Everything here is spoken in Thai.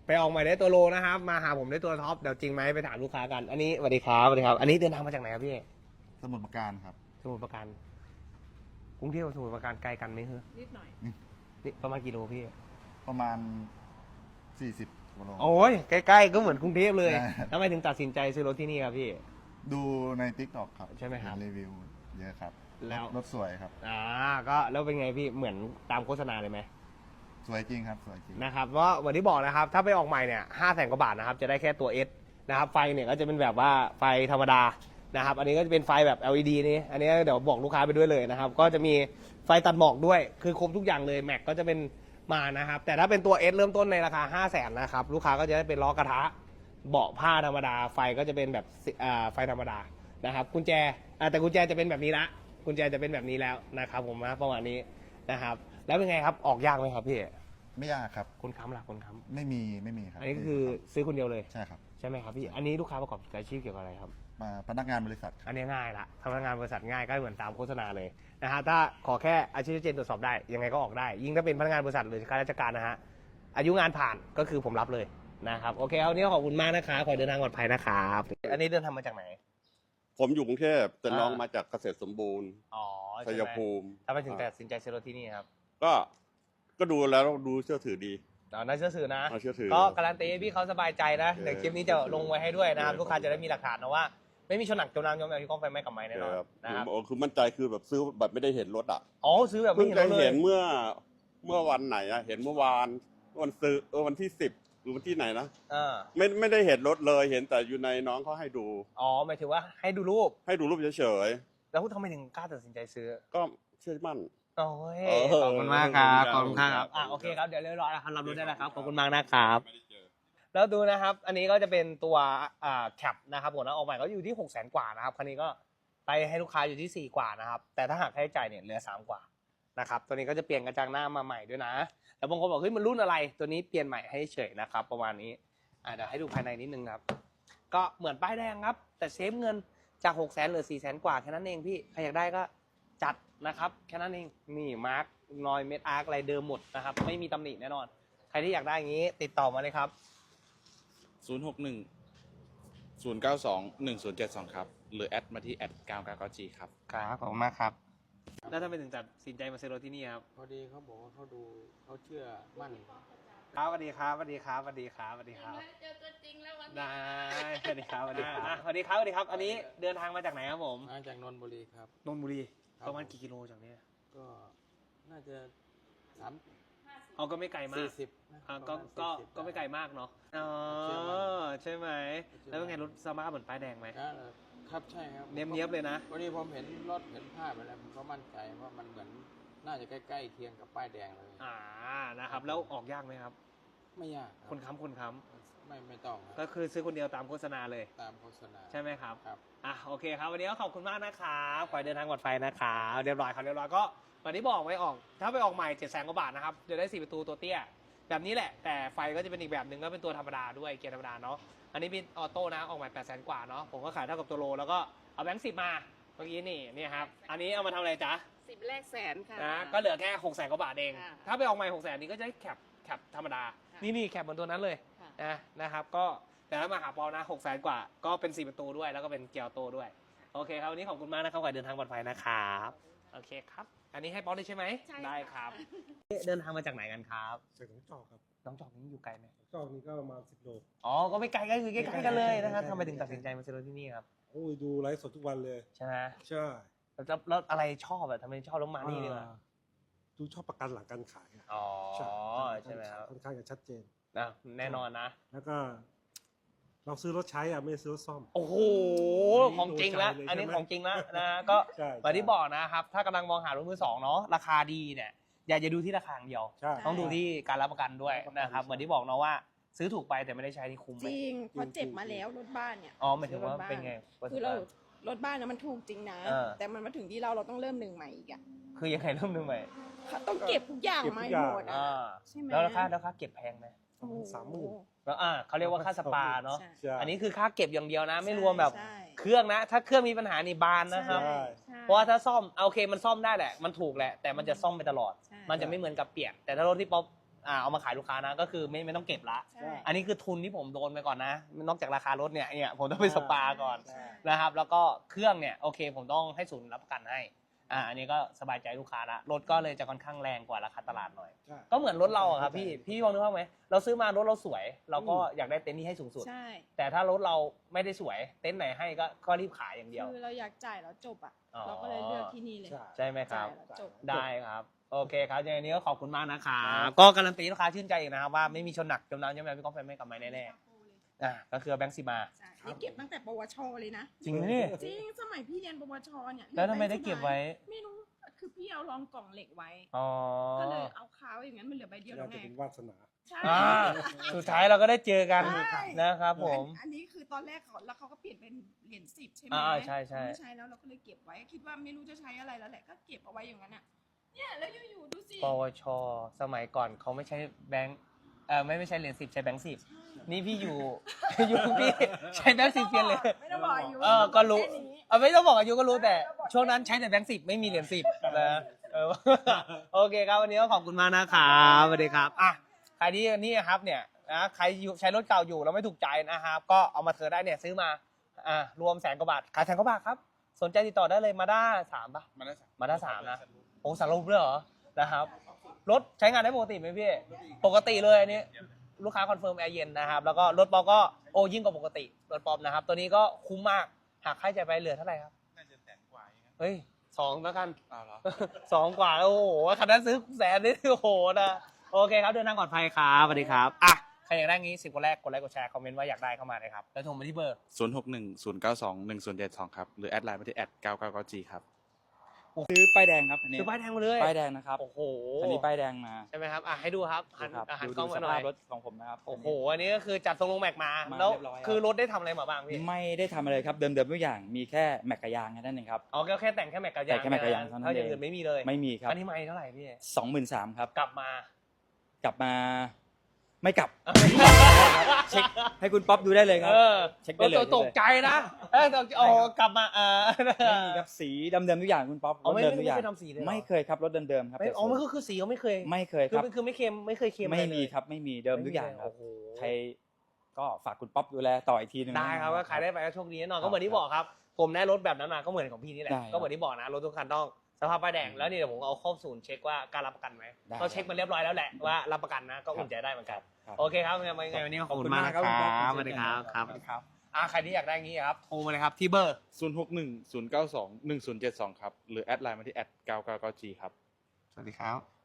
ไปออกใหม่ได้ตัวโลนะครับมาหาผมได้ตัวท็อปเดี๋ยวจริงไหมไปถามลูกค้ากันอันนี้สวัสดีครับสวัสดีครับอันนี้เดินทางมาจากไหนครับพี่สมุทรปราการครับสมุทรปราการกรุงเทพกับสมุทรปราการไกลกันไหมเฮ้ยนิดหน่อยนี่ประมาณกี่โลพี่ประมาณ40กิโลโอ้ยใกล้ๆก็เหมือนกรุงเทพเลยทำไมถึงตัดสินใจซื้อรถที่นี่ครับพี่ดูใน TikTok ครับใช่ไหมครับรีวิวเยอะครับแล้วรถสวยครับก็แล้วเป็นไงพี่เหมือนตามโฆษณาเลยไหมสวยจริงครับสวยจริงนะครับเพราะวันที่บอกนะครับถ้าไปออกใหม่เนี่ย500,000 กว่าบาทนะครับจะได้แค่ตัว S นะครับไฟเนี่ยก็จะเป็นแบบว่าไฟธรรมดานะครับอันนี้ก็จะเป็นไฟแบบ LED นี่อันนี้เดี๋ยวบอกลูกค้าไปด้วยเลยนะครับก็จะมีไฟตัดหมอกด้วยคือครบทุกอย่างเลยแม็กก็จะเป็นมานะครับแต่ถ้าเป็นตัว S เริ่มต้นในราคา500,000นะครับลูกค้าก็จะได้เป็นล้อกระทะเบาะผ้าธรรมดาไฟก็จะเป็นแบบไฟธรรมดานะครับกุญแจแต่กุญแจจะเป็นแบบนี้ละกุญแจจะเป็นแบบนี้แล้วนะครับผมนะประมาณนี้นะครับแล้วเป็นไงครับออกยากไหมครับพี่ไม่ยากครับคนค้ำหลักคนค้ำไม่มีครับอันนี้ก็คือซื้อคนเดียวเลยใช่ครับใช่ไหมครับพี่อันนี้ลูกค้าประกอบอาชีพเกี่ยวกับอะไรครับมาพนักงานบริษัทอันนี้ง่ายละพนักงานบริษัทง่ายก็เหมือนตามโฆษณาเลยนะฮะถ้าขอแค่อาชีพชัดเจนตรวจสอบได้ยังไงก็ออกได้ยิ่งถ้าเป็นพนักงานบริษัทหรือข้าราชการนะฮะอายุงานผ่านก็คือผมรับเลยนะครับโอเคเอานี้ขอบคุณมากนะครับขอเดินทางปลอดภัยนะครับอันนี้เดินทางมาจากไหนผมอยู่กรุงเทพแต่น้องมาจากเกษตรสมบูรณ์ชัยภูมิทำไมถึงตัดสินใจซื้อรถที่นี่ครับก็ดูแล้วดูเชื่อถือดีน่าเชื่อถือนะเชื่อถือก็การันตีให้พี่เขาสบายใจนะเดี๋ยวคลิปนี้จะลงไว้ให้ด้วยนะครับลูกค้าจะได้มีหลักฐานนะว่าไม่มีชนหนักจมน้ำจมแมวที่กล้องไฟไหม้กับไม้แน่นอนนะครับคือมั่นใจคือแบบซื้อแบบไม่ได้เห็นรถซื้อแบบไม่เห็นรถเลยเห็นเมื่อวันไหนเห็นเมื่อวานวันซื้อวันที่10หรือวันที่ไหนนะไม่ได้เห็นรถเลยเห็นแต่อยู่ในน้องเขาให้ดูหมายถึงว่าให้ดูรูปเฉยๆแล้วทำไมถึงกล้าตัดสินใจซื้อก็เชื่อมั่นโอ้ยขอบคุณมากครับขอบคุณครับโอเคครับเดี๋ยวเรียบร้อยแล้วครับรับรู้ได้แล้วครับขอบคุณมากนะครับแล้วดูนะครับอันนี้ก็จะเป็นตัวแคปนะครับผมนะออกใหม่ก็อยู่ที่600,000 กว่านะครับคันนี้ก็ไปให้ลูกค้าอยู่ที่4 กว่านะครับแต่ถ้าหากค่าใช้จ่ายเนี่ยเหลือ3 กว่านะครับตัวนี้ก็จะเปลี่ยนกระจังหน้ามาใหม่ด้วยนะแต่บางคนบอกเฮ้ยมันรุ่นอะไรตัวนี้เปลี่ยนใหม่ให้เฉยนะครับประมาณนี้เดี๋ยวให้ดูภายในนิดนึงครับก็เหมือนป้ายแดงครับแต่เซฟเงินจาก600,000เหลือ400,000 กว่าแค่นั้นเองพี่ใครอยากได้ก็จัดนะครับแค่นั้นเองนี่มาร์กนอยเม็ดอาร์คอะไรเดิมหมดนะครับไม่มีตำหนิแน่นอนใครที่อยากได้อย่างนี้ติดต่อมาเลยครับ 061-092-1072ครับหรือแอดมาที่@999G ครับครับขอบคุณมากครับแล้วถ้าไปถึงตัดสินใจมาซื้อรถที่นี่ครับพอดีเขาบอกว่าเขาดูเขาเชื่อมั่นครับสวัสดีครับสวัสดีครับสวัสดีครับสวัสดีครับเจอตัวจริงแล้ววันนี้ได้สวัสดีครับสวัสดีครับสวัสดีครับสวัสดีครับอันนี้เดินทางมาจากไหนครับผมมาจากนนทบุรีครับนนทบุรีประมาณกี่กิโลจากนี้ก็น่าจะก็ไม่ไกลมาก 40 ก็ไม่ไกลมากเนาะใช่ไหมแล้วเป็นไงรถสมาร์ทเหมือนป้ายแดงไหมครับใช่ครับเนียบเลยนะวันนี้ผมเห็นรถเห็นภาพไปแล้วผมก็มั่นใจว่ามันเหมือนน่าจะใกล้ๆเคียงกับป้ายแดงเลยนะครับแล้วออกยากไหมครับไม่ยากคนค้ำไม่ต้องก็คือซื้อคนเดียวตามโฆษณาเลยตามโฆษณาใช่ไหมครับครับโอเคครับวันนี้ก็ขอบคุณมากนะครับขอให้เดินทางปลอดภัยนะครับเรียบร้อยครับเรียบร้อยก็วันนี้บอกไว้ออกถ้าไปออกใหม่700,000 กว่าบาทนะครับเดี๋ยวได้4 ประตูตัวเตี้ยแบบนี้แหละแต่ไฟก็จะเป็นอีกแบบหนึ่งก็เป็นตัวธรรมดาด้วยเกียร์ธรรมดาเนาะอันนี้เป็นออโต้นะออกใหม่800,000 กว่าเนาะผมก็ขายเท่ากับตัวโลแล้วก็เอาแบงค์10มาเมื่อกี้นี่ครับอันนี้เอามาทำอะไรจ๊ะ 10 แรกแสนค่ะก็เหลือแค่600,000 กว่าบาทเองถ้าไปออกใหม่600,000นี้ก็จะได้แคปธรรมดานี่แคปบนตัวนั้นเลยนะครับก็แต่ถ้ามาหาปอนะ600,000 กว่าก็เป็น4 ประตูด้วยแล้วก็เป็นเกียร์ออโต้ด้วยโอเคครับวันนี้ขอบคุณมากนะครับขอเดินทางปลอดภัยนะครับโอเคครับอันนี้ให้ป๊อปได้ใช่ไหมได้ครับเดินทางมาจากไหนกันครับจากหนองจอกครับน้องจอกนี้อยู่ไกลไหมจอกนี้ก็ประมาณ10 โลก็ไม่ไกลก็คือใกล้ๆกันเลยนะครับทำไมถึงตัดสินใจมาซื้อรถที่นี่ครับโอ้ยดูไลฟ์สดทุกวันเลยใช่ไหมใช่แล้วอะไรชอบทำไมชอบรถมานี่ดีกว่าดูชอบประกันหลังการขายใช่ไหมครับค่อนข้างจะชัดเจนแน่นอนนะแล้วก็เราซื้อรถใช้ไม่ซื้อรถซ่อมโอ้โหของจริงแล้วอันนี้ของจริงแล้วนะก็แบบที่บอกนะครับถ้ากำลังมองหารถมือสองเนาะราคาดีเนี่ยอย่าดูที่ราคาอย่างเดียวต้องดูที่การรับประกันด้วยนะครับเหมือนที่บอกเนาะว่าซื้อถูกไปแต่ไม่ได้ใช้ที่คุ้มจริงเพราะเจ็บมาแล้วรถบ้านเนี่ยหมายถึงว่าเป็นไงคือเรารถบ้านนะมันถูกจริงนะแต่มันมาถึงที่เราต้องเริ่มหนึ่งใหม่อีกคือยังไงเริ่มหนึ่งใหม่ต้องเก็บทุกอย่างมาหมดใช่ไหมแล้วค่าเก็บแพงไหม 30,000 แล้วเขาเรียกว่าค่าสปาเนาะอันนี้คือค่าเก็บอย่างเดียวนะไม่รวมแบบเครื่องนะถ้าเครื่องมีปัญหานี่บานนะครับเพราะว่าถ้าซ่อมโอเคมันซ่อมได้แหละมันถูกแหละแต่มันจะซ่อมไปตลอดมันจะไม่เหมือนกับเปียกแต่ถ้ารถที่ป๊อปเอามาขายลูกค้านะก็คือไม่ต้องเก็บละใช่อันนี้คือทุนที่ผมโดนไปก่อนนะนอกจากราคารถเนี่ยผมต้องไปสปาก่อนใช่นะครับแล้วก็เครื่องเนี่ยโอเคผมต้องให้ศูนย์รับประกันให้อันนี้ก็สบายใจลูกค้าละรถก็เลยจะค่อนข้างแรงกว่าราคาตลาดหน่อยใช่ก็เหมือนรถเราอะครับพี่มองนึกภาพไหมเราซื้อมารถเราสวย เราก็อยากได้เต็นท์ที่ให้สูงสุดใช่แต่ถ้ารถเราไม่ได้สวยเต็นท์ไหนให้ก็รีบขายอย่างเดียวคือเราอยากจ่ายแล้วจบอ่ะอ๋อเราก็เลยเลือกที่นี่เลยใช่ไหมคจ่ารับยแล้วจบได้ครับโอเคครับยังไงนี้ก็ขอบคุณมากนะครับก็การันตีลูกค้าชื่นใจอีกนะครับว่าไม่มีชนหนักจมน้ำจมแรงพี่ก้องแฟนไม่กลับมาแน่ๆก็คือแบงค์สิมาใช่นี่เก็บตั้งแต่ปวชเลยนะจริงไหมเนี่ยจริงสมัยพี่เรียนปวชเนี่ยแล้วทำไมได้เก็บไว้ไม่รู้คือพี่เอารองกล่องเหล็กไว้อ๋อก็เลยเอาคาไว้อย่างนั้นมันเหลือใบเดียวแล้น่าวไงจะเป็นวาสนาใช่สุดท้ายเราก็ได้เจอกันใช่นะครับผมอันนี้คือตอนแรกเขาแล้วเขาก็เปลี่ยนเป็นเหรียญ10ใช่ไหมใช่ใช่ไม่ใช้แล้วเราก็เลยเก็บไว้คิดว่าไม่รู้จะใช้อะไรแล้วแหละก็เก็บเอาไว้อย่างนั้นอ่ะเนี่ยแล้วอยู่ๆดูสิปวช สมัยก่อนเขาไม่ใช้แบงค์ไม่ใช้เหรียญ10ใช้แบงค์10นี่พี่อยู่ อยู่พี่ใช้แบงค์10เปลี่ยนเลยไม่ต้องบอกอายุก็รู้แค่นี้ไม่ต้องบอกอายุก็รู้แต่ช่วงนั้นใช้แต่แบงค์10ไม่มีเหรียญ10นะโอเคครับวันนี้ก็ขอบคุณมากนะครับสวัสดีครับใครที่นี่ครับเนี่ยนะใครใช้รถเก่าอยู่แล้วไม่ถูกใจนะครับก็เอามาเธอได้เนี่ยซื้อมารวม100,000 กว่าบาทขาย100,000 กว่าบาทครับสนใจติดต่อได้เลยมาด้า3ป่ะ มาด้า3นะโอ้สารรูปด้วยเหรอนะครับรถใช้งานได้ปกติไหมพี่ปกติเลยอันนี้ลูกค้าคอนเฟิร์มแอร์เย็นนะครับแล้วก็รถปอก็ยิ่งกว่าปกติรถปอมนะครับตัวนี้ก็คุ้มมากหากค่าใช้จ่ายไปเหลือเท่าไหร่ครับน่าจะ100,000 กว่าเฮ้ย2แล้วกันเหรอ 2 กว่าแล้วโอ้โหคันนั้นซื้อ100,000นี่โอ้โหนะโอเคครับเดินทางปลอดภัยครับสวัสดีครับใครอยากได้งี้10 คนแรกกดไลค์กดแชร์คอมเมนต์ว่าอยากได้เข้ามาเลยครับแล้วโทรมาที่เบอร์ 0610921072 ครับ หรือแอดไลน์มาที่@999G ครับซื้อป้ายแดงครับอันนี้ซื้อป้ายแดงมาเลยป้ายแดงนะครับโอ้โหอันนี้ป้ายแดงมาใช่ไหมครับให้ดูครับหันครับหันดูกล้องสมาหน่ภาอพยรถของผมนะครับโอ้โหอันนี้ก็คือจัดทรงลงแม็กมามาแล้วเรียบร้อยครับคือรถได้ทำอะไรมาบ้างพี่ไม่ได้ทำอะไรครับเดิมๆทุกอย่างมีแค่แม็กกะยางแค่นั้นเองครับอ๋อก็แค่แต่งแค่แม็กกับยางแต่งแค่แม็กกับยางเท่านั้นถ้าอย่างเองอื่นไม่มีเลยไม่มีครับอันนี้ไม่เท่าไหร่พี่ 23,000ครับกลับมากลับมาไม่กลับเช็คให้คุณป๊อปดูได้เลยครับ เช็คได้เลยตกใจนะกลับมาไม่มีครับสีเดิมๆทุกอย่างคุณป๊อปรถไม่เดิมทุกอย่างเคยทำสีเลยเหรอไม่เคยครับรถเดิมๆครับไม่มันก็คือสีเขาไม่เคยไม่เคยครับคือไม่เคยไม่เคยเค็มไม่อะรมีเลยครับไม่มีเดิมทุกอย่างครับโโหใครก็ฝากคุณป๊อปดูแลต่ออีกทีหนึงได้ครับก็ขายได้ไปก็โชคดีแน่นอนก็เหมือนที่บอกครับผมได้รถแบบนั้นมาก็เหมือนของพี่นี่แหละได้ก็เหมือนที่บอกนะรถทุกคันต้องสภาพป้ายแดงแล้วนี่เดี๋ยวผมเอาเข้าศูนย์เช็คว่าการรับประกันไหมได้ก็เช็คมาเรียบร้อยแล้วแหละว่ารับประกันนะก็อุ่นใจได้เหมือนกันครับโอเคครับยังไงวันนี้ขอบคุณมากนะคขอบคุณมากครัรับบ สวัสดีครับครับสวัสดีครับใครที่อยากได้งี้ครับโทรมาเลยครับที่เบอร์ 0610921072 ครับ หรือแอดไลน์มาที่@999G ครับสวัสดีครับ